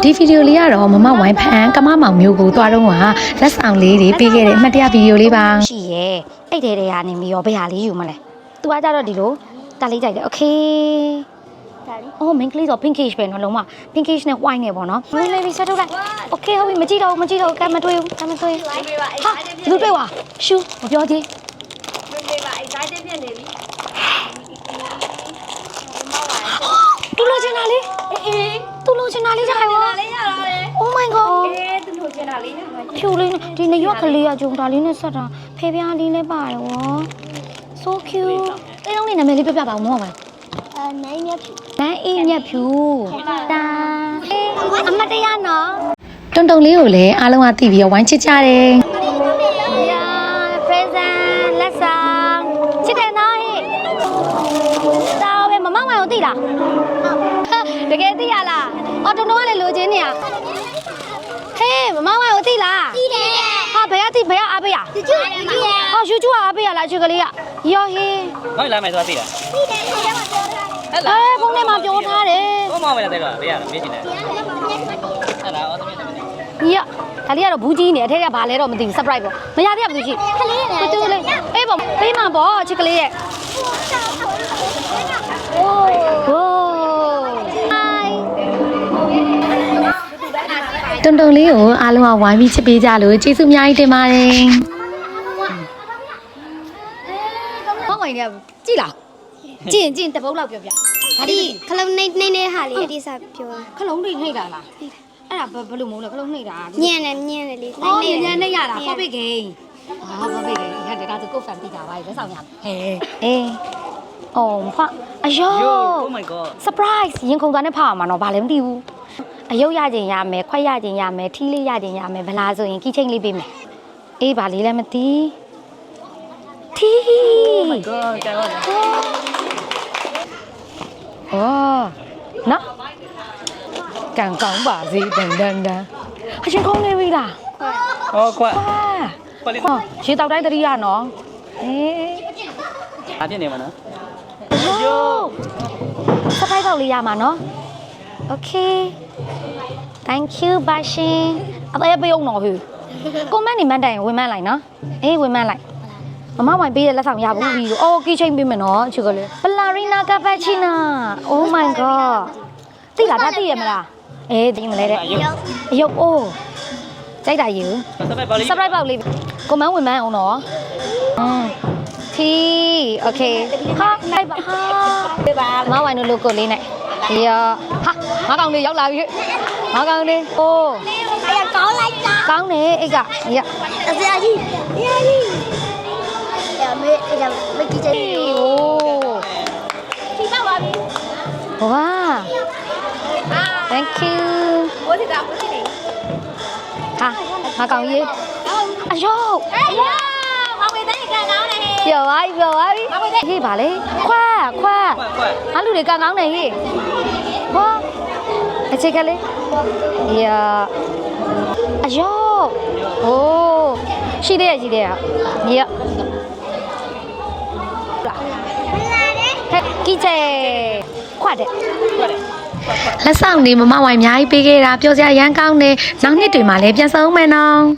ဒီဗီဒီယိုလေးကတော့မမဝိုင်းဖန်ကမမောင်မျိုးကိုတွားတော့ကလက်ဆောင်လေးတွေပေးခဲ့တဲ့အမှတ်တရဗီဒီယိုလေးပါရှိရဲအဲ့တဲတဲကနေပြီးတော့ဘယ်ဟာလေးယူမလဲသူကကြတော့ဒီလိုတားလေးကြိုက်တယ်โอเคအော် main clay ဆို pinkish ပဲနော်လုံးဝ pinkish နဲ့ white နဲ့ပေါ့နော်လေးလေးဆက်ထုတ်လိုက်โอเคဟုတ်ပြီမကြည့်တော့ကဲမတွေးဘူးဟာလူတွေးွာရှူမပြောသေးမေပါအဲ့တိုင်းပြည့်နေပြီတူလို့ချင်တာလေးတူလို့ချင်တာလေးကြိုက်ရောOh my god တူလို့ချင်တာလေးဖြူလေးဒီနရွက်ကလေးကဂျုံတာလေးနဲ့ဆက်တာဖေပြားလေးလည်းပါတယ်ဝေါ so cute အဲ့တော့နေနာမည်လေးပြပြပါဦးမောပါနိုင်မြတ်ဖြူနိုင်အေးမြတ်ဖြူတာအမတရားနော်တုံတုံလေးကိုလည်းအားလုံးကသိပြီးတော့ဝိုင်းချစ်ကြတယ်present လက်ဆောင်ချစ်တယ်နော်ဟဲ့တော်ပဲမမဝိုင်ကိုသိလားတကယ်သိရလားအော်တုံတုံကလည်းလိုချင်နေရဟေးမမဝိုင်ကိုသိလားသိတယ်ဟာဘယ်ကသိဘယ်ကအားပေးရယူကျူဟောယူကျူအားပေးရလားအချွေကလေးကရောဟေးဘာလာမယ်ဆိုတာသိလားသိတယ်ဒီထဲမှာပြောထားဟဲ့ဖုန်းထဲမှာပြောထားတယ်ဘုံမောင်မယ်တဲ့ကဘေးရတာမေးချင်တယ်ဟဲ့လားအော်တမီးတမီးဒါလေးကတော့ဘူးကြီးနေအထက်ကဘာလဲတော့မသိဘူး surprise ပေါ့မရသေးဘူးရှိခလေးလေတူလေးအေးပေါ့ပေးမှာပေါ့ချစ်ကလေးရဲ့โอ้โหတုံတုံလေးကိုအားလုံးကဝိုင်းပြီးချစ်ပေးကြလို့ကျေးဇူးအများကြီးတင်ပါတယ်ဟောင်းဝင်နေကြည့်လားကြည့်တပုတ်လောက်ပြောပြဒါဒီခလုံးနေဟာလေးအတိစပြောခလုံးတွေနှိပ်တာလားအဲ့ဒါဘယ်လိုမဟုတ်လဲခလုံးနှိပ်တာညံ့တယ်လေးညံ့နေရတာပေါ့ပိတ်ကိန်းပေါ့ပိတ်ကိန်းဟဲ့ဒါဆိုကိုဖန်ပြီးတာပါလက်ဆောင်ရဟဲ့အေးအော်ဖအယော Oh my god surprise ရင်ခုန်သွားနဲ့ဖောက်ရမှာတော့ဘာလဲမသိဘူးအယုတ်ရခြင်းရမယ်ခွက်ရခြင်းရမယ်ထီးလေးရခြင်းရမယ်ဗလာဆိုရင်ကီချင်းလေးပေးမယ်အေးဘာလေးလည်းမသိထီး Oh my god ကြောက်ရတယ်အော်နော်ကန်ကောင်းပါစေတန်အချင်းကောင်းနေပြီလားဟောခွက်ခွက်လေးရေတောက်တိုင်းတတိယနော်အေးအားပြနေမှာနော်ယိုးစပိုက်ပေါက်လေးရမှာနော် Okay thank you ပါရှင်အသေးပေးအောင်တော့ဟူကွန်မန့်နေမှန်းတိုင်ဝင်မှန်းလိုက်နော်အေးဝင်မှန်းလိုက်မမဝိုင်ပေးတဲ့လက်ဆောင်ရဘူးပြီးတော့အော်ကီချင်းပေးမယ်နော်ချူကလေးပလာရီနာကပချီနာ Oh my god သိလားဒါသိရမလားအေးသိမလဲတဲ့အယုတ်အိုးကြိုက်တာယူ surprise ပေါက်လေးကွန်မန့်ဝင်မှန်းအောင်နော်ထီ Okay ဟာလိုက်ပါဟာပေးပါမဝိုင်တို့ logo လေးနဲ့ရဟာငါကောင်လေးရောက်လာပြီငါကောင်လေးအိုးအဲ့ကောင်းလိုက်တာကောင်းတယ်အိတ်ကရအစရာကြီးရမေးအဲ့ဒါမကြည့်ချင်ဘူးအိုးဒီပါပါပြီဝါ thank you ဘိုးစီတာဘိုးစီနေဟာငါကောင်ကြီးအယောမောင်ဝေးတဲ့ကန်ကောင်းနေဟေးပြောပါပြီဟေးပါလေခွာငါလူတွေကန်ကောင်းနေဟေးဟောအချက်ကလေးရအယောဟိုးရှိသေးရညဟဲ့ကီချေခွတ်တယ်လက်ဆောင်နေမမဝိုင်အများကြီးပေးခဲ့တာပြောစရာရမ်းကောင်းတယ်နောက်နှစ်တွေမှာလည်းပြန်ဆောင်မယ်နော်